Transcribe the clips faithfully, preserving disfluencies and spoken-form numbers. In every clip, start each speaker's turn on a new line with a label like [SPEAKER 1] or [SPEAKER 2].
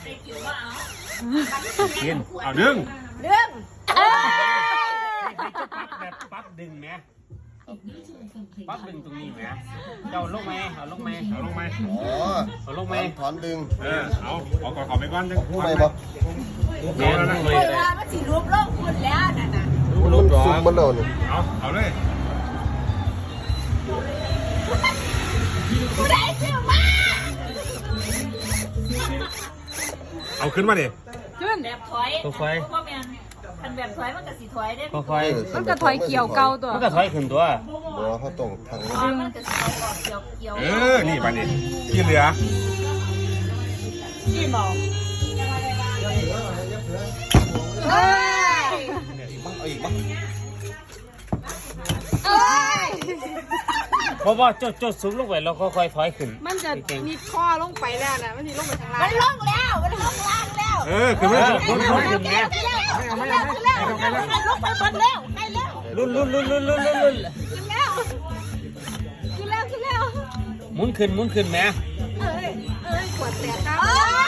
[SPEAKER 1] กินเอาดึง
[SPEAKER 2] เรื่องเอ้ย
[SPEAKER 1] ให้จะปั๊บแบบปั๊บดึงไหมปั๊บดึงตรงนี้ไหมเจ้าลงไหมเอาลงไหมเอาลงไหม
[SPEAKER 3] อ๋อ
[SPEAKER 1] เอาลงไหม
[SPEAKER 3] ถอนดึง
[SPEAKER 1] เออเอาเอาก่อนขอไปก่อนดึง
[SPEAKER 3] รู้ไหมบ่
[SPEAKER 1] แม่ลงไหม
[SPEAKER 2] เวลามันสิรวบโลกคุณแล้วน่ะนะ
[SPEAKER 3] มันซุ่มมันแล้วนี่
[SPEAKER 1] เอาเอาเลย
[SPEAKER 2] ผู้ใดชื่อมา
[SPEAKER 1] เอาขึ้นมาดิ
[SPEAKER 2] ขึ้นแบบถอยค่อยๆพ่อแม่คันแบบถอยมันก็สิถอยได้
[SPEAKER 1] ค่อย
[SPEAKER 4] มันก็ถอยเกี่ยวเก่าตัว
[SPEAKER 1] มันก็ถอยขึ้นตัว
[SPEAKER 3] บ่เขาต้องทาง
[SPEAKER 2] อ๋อมันก็สิเอาออกเกี่ยวเกี่ยว
[SPEAKER 1] เออนี่ปะนี่ที่เหลือ
[SPEAKER 2] ที่หมอ
[SPEAKER 4] เอ้ย
[SPEAKER 3] บ้างเอาอีกบ้าง
[SPEAKER 4] เอ้ย
[SPEAKER 1] เพราะว่าจดจดสูงลงไปแล้วค่อยๆถอยขึ้น
[SPEAKER 4] มันจะมีข้อลงไปแล้วนะมันจะลงไปทางล่า
[SPEAKER 2] มั
[SPEAKER 4] ง
[SPEAKER 2] นลงแล้วมันลงล่างแล้ว
[SPEAKER 1] เออขึ้นมาขึ้นมาขึ้นมา
[SPEAKER 2] ขึ้นแล้วขึ้นแล้วขึ้นแล้วขึ้นแล้วลงไปบนแล้วได้แล้ว
[SPEAKER 1] ลุ้นลุ้นลุ้นลุ้นลุ้นลุ้น
[SPEAKER 2] ขึ้นแล้วขึ้นแล้วขึ้นแล้ว
[SPEAKER 1] หมุนขึ้นหมุนขึ้นแม่
[SPEAKER 2] เอ้ยเอ้ยขวดแตกครับ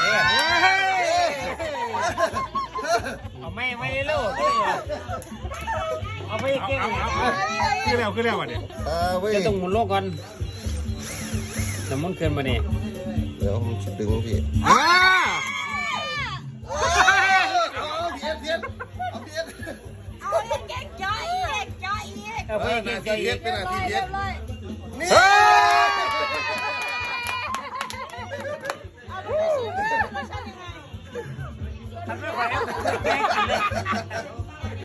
[SPEAKER 1] เอาไม่ไม่เร็วเอาไปเก่งขึ้นแล้วขึ้นแล้ววะเนี่ย
[SPEAKER 3] เออเว้ย
[SPEAKER 1] จะต้องหมุนโลกก่อนจะหมุนขึ้นมาเนี่ย
[SPEAKER 3] เดี๋ยวผมจะดึงพี่
[SPEAKER 1] อ้า
[SPEAKER 3] เอาเพี้ยนเพี้ยนเอาเพี้ยน
[SPEAKER 2] เอาเก่งจ้อยเก่งจ้อยอีก
[SPEAKER 1] เอาไป
[SPEAKER 3] หน้า
[SPEAKER 1] เก่ง
[SPEAKER 3] ที่
[SPEAKER 1] ใจ
[SPEAKER 3] เพี้ยนเป็นหน้าที่เพี้ยน
[SPEAKER 2] เลย
[SPEAKER 3] นี่
[SPEAKER 1] เฮ้ย
[SPEAKER 2] เอาไปเลย
[SPEAKER 1] ทำไม่ไหว